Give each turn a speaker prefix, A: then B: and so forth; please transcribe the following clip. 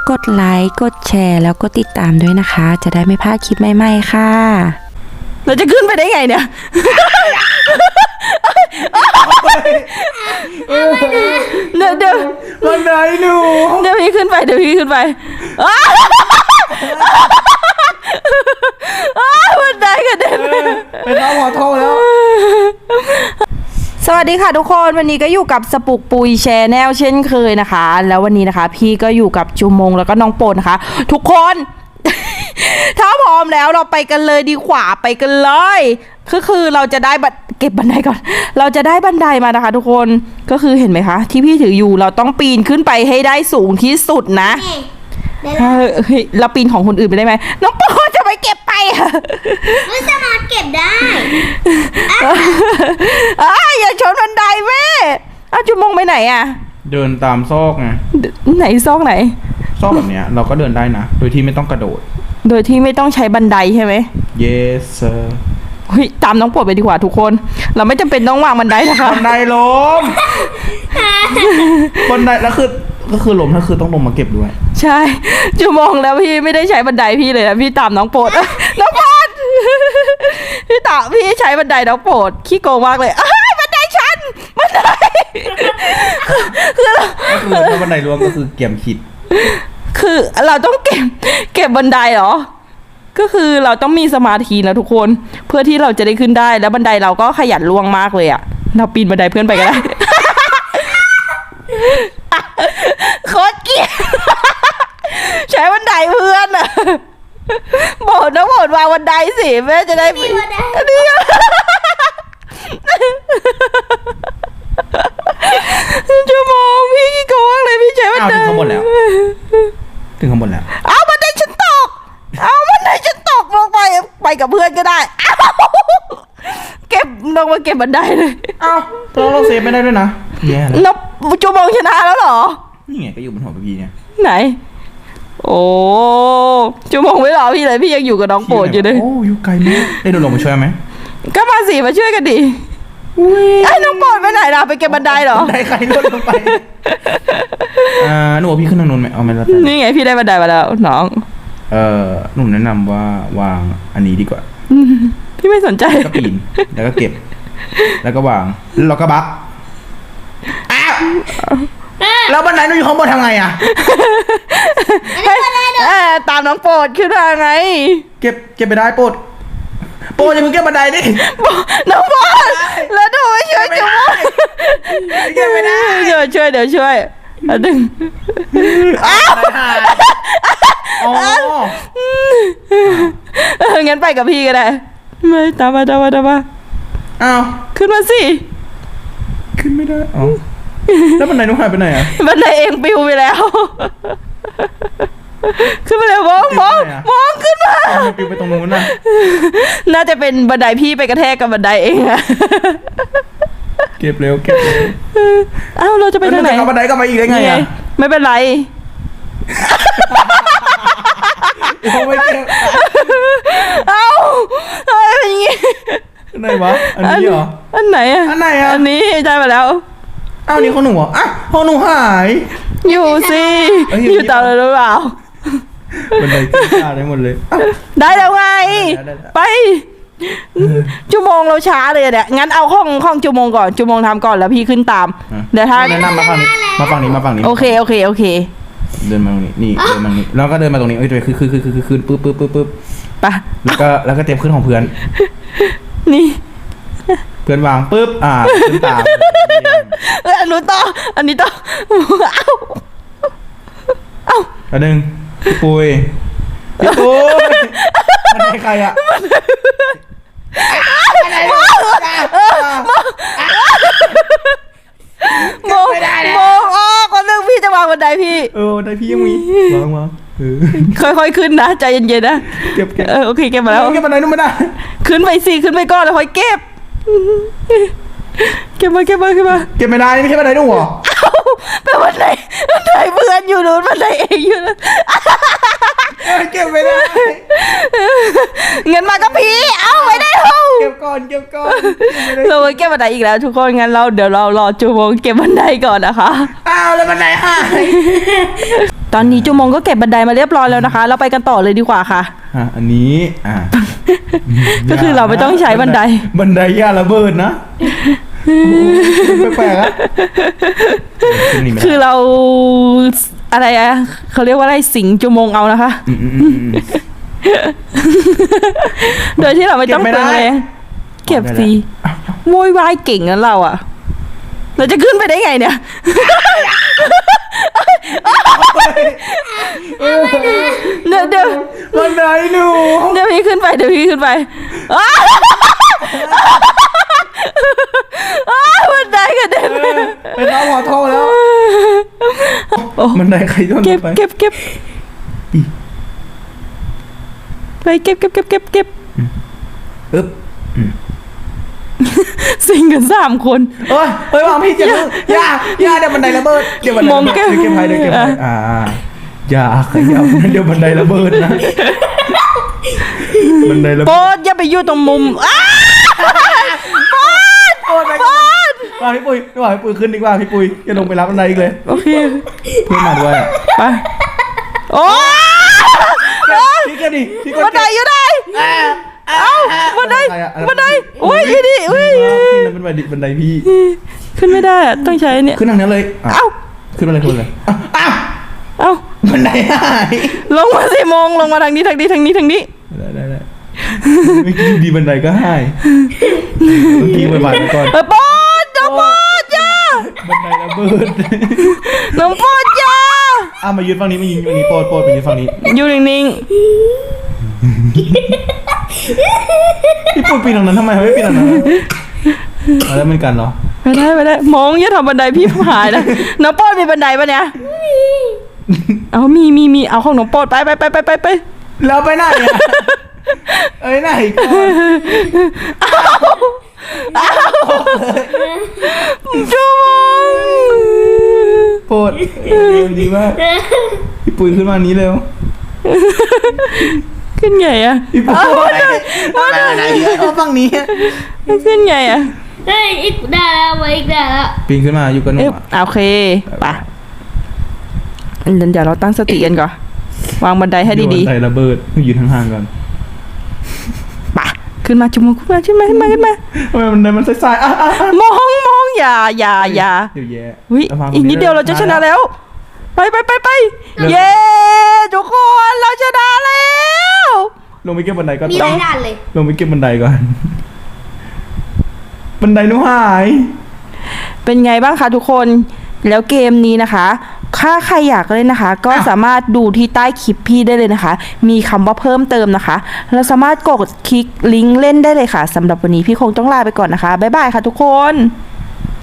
A: กดไลค์กดแชร์แล้วก็ติดตามด้วยนะคะ จะได้ไม่พลาดคลิปใหม่ๆค่ะเราจะขึ้นไปได้ไงเนี่ยเดี๋ยว
B: บันไดหนู
A: เดี๋ยวพี่ขึ้นไปบันไดกระเด็น
B: เป็นน้องขอโทษแล้ว
A: สวัสดีค่ะทุกคนวันนี้ก็อยู่กับสปุกปุยแชร์แนลเช่นเคยนะคะแล้ววันนี้นะคะพี่ก็อยู่กับจูมงแล้วก็น้องโปนนะคะทุกคน ถ้าพร้อมแล้วเราไปกันเลยดีกว่าไปกันเลยคือเราจะได้เก็บบันไดก่อนเราจะได้บันไดมานะคะทุกคนก็คือเห็นไหมคะที่พี่ถืออยู่เราต้องปีนขึ้นไปให้ได้สูงที่สุดนะเราปีนของคนอื่นไปได้ไหมน้องโปนจะไปเก็บไปอะ
C: ไม่สามารถเก็บได้
A: อย่าชนบันไดแม่จูมงไปไหนอะ
B: เดินตามซอกไง
A: ไหนซอกไหน
B: ซอกแบบเนี้ยเราก็เดินได้นะโดยที่ไม่ต้องกระโดด
A: โดยที่ไม่ต้องใช้บันไดใช่ไหม
B: yes sir
A: ตามน้องโปรดไปดีกว่าทุกคนเราไม่จำเป็นต้องวางบันไดนะคะ
B: บันไดล้มบันไดแล้วก็คือล้มถ้าคือต้องลงมาเก็บด้วย
A: ใช่จูมองแล้วพี่ไม่ได้ใช้บันไดพี่เลยนะพี่ตามน้องโปรดน้องโปรดพี่ใช้บันไดน้องโปรดขี้โกงมากเลยบันไดฉันบันได
B: คือถ้าบันไดร่วงก็คือเกี่ยมขิด
A: คือเราต้องเก็บบันไดเหรอก็คือเราต้องมีสมาธินะทุกคนเพื่อที่เราจะได้ขึ้นได้แล้วบันไดเราก็ขยันล่วงมากเลยอ่ะเราปีนบันไดเพื่อนไปก็ได้โคตรเกลียดใช้บันไดเพื่อนอ่ะโบดนะโบดวางบันไดสิแม่จะได้ปีนนี่ชั่วโมงพี่กี่โกงเลยพี่ใช้บันได
B: ถึงข้างบนแล้ว
A: บันไดฉันตกบันไดฉันตกลงไปกับเพื่อนก็ได้เก็บลงมาเก็บบันไดเลย
B: เราเซฟไม่ได้ด้วยนะแย่แล้ว
A: นับจูมงชนะแล้วเหรอ
B: นี่ไงก็อยู่บนหัวพี่เนี่ย
A: ไหนโอ้จูมงไม่รอพี่เลยพี่ยังอยู่กับน้องโปรดอยู่เลย
B: โอ้อยู่ไกลมากได้โดนลงมาช่วยไหม
A: ก็มาสิมาช่วยกันดิไอ้น้องโปรดไปไหนล่ะไปเก็บบันไดเหรอ
B: บันไดใครลดลงไปหนูพี่ขึ้นทางนู้นไหมเอาไหมล่ะ
A: นี่ไงพี่ได้บันไดมาแล้วน้อง
B: หนูแนะนำว่าวางอันนี้ดีกว่า
A: พี่ไม่สนใจ
B: ก็ปีนแล้วก็เก็บแล้วก็วางแล้วก็บักแล้วบันไดหนูอยู่ข้างบนทำไงอ่ะ
A: ตามน้องโปรดขึ้นมาไง
B: เก็บไปได้โปรดจะมึงเก็บบันไดดิ
A: น้องโปรดแล้วดูไม่ช่วยจุ๊บ
B: เก็บไม่ได้
A: เดี๋ยวช่วยดึงงั้นไปกับพี่ก็ได้ไม่ตามมาขึ้นมาสิ
B: ขึ้นไม่ได้แล้วบันไดนุ๊กหายไปไหนอ่ะ
A: บันไดเองปิวไปแล้วขึ้นมาแล้วมองขึ้นมา
B: ปิวไปตรงนู้นนะ
A: น่าจะเป็นบันไดพี่ไปกระแทกกับบันไดเองอะ
B: เก็บเร็ว
A: เราจะไปทางไหน
B: เอาบันไดกลับมาอีกได้ไงอ่ะ
A: ไม่เป็นไร
B: ไม่เก็บ
A: อะไรอย่างงี้
B: ไหนวะอันนี้เหรอ
A: อันไหนอ่ะอันนี้ได้มาแล้ว
B: นี่ของหนูของหนูหาย
A: อยู่สิอยู่ต่อเลยหรือเปล่า
B: บันไดขึ้นได้หมดเลย
A: ได้แล้วไงไปชั่วโมงเราช้าเลยเนี่ยงั้นเอาห้องชั่วโมงก่อนชั่วโมงทำก่อนแล้วพี่ขึ้นตามเดี๋ยวถ้า
B: แนะนำมาฝั่งนี้
A: โอเค
B: เดินมาตรงนี้นี่เดินมาตรงนี้แล้วก็เดินมาตรงนี้คือปึ๊บ
A: ไป
B: แล้วก็เตรียมขึ้นของเพื่อน
A: นี่
B: เพื่อนวางปึ๊บขึ้นตาม
A: อันนี้ต่ออัน
B: นึงพี่ปุยมันให้ใครอ่ะ
A: มองคนนึงพี่จะวางบันไดพี่
B: บันไดพี่ยังมีวาง
A: ค่อยๆขึ้นนะใจเย็นๆนะ
B: เก็บ
A: โอเคเก็บมาแล้ว
B: เก็บบันไดนู้นไม่ได้
A: ขึ้นไปก่อนแล้วค่อยเก็บมา
B: เก็บไม่ได้ไม่ใช่บันไดนู้นหรอ
A: เป็นบันไดเพื่อนอยู่นู้นบันไดเองอยู่นู้น
B: เก็บไม่ได้
A: เงินมาก็พี่เอาไว้ได้
B: เก็บก่อน
A: เราเก็บบันไดอีกแล้วทุกคนงั้นเดี๋ยวเรารอจูโมงเก็บบันไดก่อนนะคะ
B: แล้วบันไดหาย
A: ตอนนี้จุมงก็เก็บบันไดมาเรียบร้อยแล้วนะคะ เราไปกันต่อเลยดีกว่าค่ะ
B: อันนี้
A: ก็คือเราไม่ต้องใช้บันได
B: บันไดย่าระเบิดนะแปลกๆอะ
A: คือเราอะไรอะเขาเรียกว่าอะไรสิงจุมงเอานะคะ โดยที่เราไม่ต้องเปลืองแรงเก็บสิโวยวายเก่งนะเราอะเราจะขึ้นไปได้ไงเนี่ยเดี๋ยว
B: บันไดหนู
A: เดี๋ยวพี่ขึ้นไปบันไดกระเด็น
B: ไปเข้าหัวท่อแล้วบันไดใครต้น
A: เก็บ
B: ไป
A: ไปเก็บ
B: อึ๊บ
A: สิงกัน3 คน
B: เฮ้ยวางพี่อย่าเดี๋ยวบันไดระเบิดเดี๋ยวบันได
A: มองแก้ว
B: เก็บไพ่อย่าขยับเดี๋ยวบันไดระเบิดนะบันไดระเบิด
A: โป๊ดอย่าไปอยู่ตรงมุม
B: โอ้ยไปว่าพี่ปุ้ยขึ้นดีกว่าพี่ปุ้ยอย่าลงไปรับบันไดอีกเลย
A: โอเค
B: เพื่อนมาด้วย
A: ไปโอ้
B: พี่ก็ดิพี่ก็
A: บันไดอยู่ไหนเอ้าบันไดโอ้ยดิอุ้ย
B: ขึ้นบันไดพี่
A: ขึ้นไม่ได้อะต้องใช้เนี่ย
B: ขึ้นทางนั้นเลย
A: เอ้า
B: ขึ้นมาเลย
A: เอ้า
B: บันไดหาย
A: ลงมาสิมงลงมาทางนี้
B: ได้เมื่อกี้ดีบันไดก็หายเมื่อกี้บ่ายๆก่อน
A: โป๊ดน้องโป๊ดจ้า
B: บันไดระเบิด
A: น้องโป๊ดจ้า
B: มายืนฝั่งนี้มายืนฝั่งนี้โปรดไปยืนฝั่งนี้
A: อยู่นิ่ง
B: พี่ปุ้ยปีนตรงนั้นทำไมไม่ปีนตรงนั้นแล้วมันกันเหรอ
A: ๆไม่ได้มองอย่าทำบันไดพี่หายนะน้องโป๊ดมีบันไดปะเนี่ยเอามีเอาของน้องโป๊ดไป
B: แล้วไปไหนอ่ะไหนก่อน
A: จุ๊ง
B: โปรดดีมากพี่ปุ้ยขึ้นมานี้เร็ว
A: ขึ้นไงอะ
B: พี่ปุ้ยมาไหนฝั่งนี้
A: ขึ้นไงอะ
C: เฮ้ยอีกได้แล้วไว้อีกได้แล้ว
B: ปีนขึ้นมาอยู่กันหนู
A: โอเคไปเดี๋ยวเราตั้งสติกันก่อนวางบันไดให้ดี
B: บันไดระเบิดยืนห่างๆก่อน
A: ๆไปขึ้นมาจุ๊งขึ้นมา
B: ทำไมบันไดมันสายๆ
A: มองอย่า
B: เดี๋ยวแย่
A: วิอีกนิดเดียวเราจะชนะแล้วไปเย้ทุกคนเราชนะแล้ว
B: ลงไปเก็บบันไดก่อน
C: มีหลายด่านเลย
B: ลงไปเก็บบันไดก่อนบันไดหนูหาย
A: เป็นไงบ้างคะทุกคนแล้วเกมนี้นะคะถ้าใครอยากเล่นนะคะ ก็สามารถดูที่ใต้คลิปพี่ได้เลยนะคะ มีคำว่าเพิ่มเติมนะคะเราสามารถกดคลิกลิงก์เล่นได้เลยค่ะสำหรับวันนี้พี่คงต้องลาไปก่อนนะคะบ๊ายบายค่ะทุกคน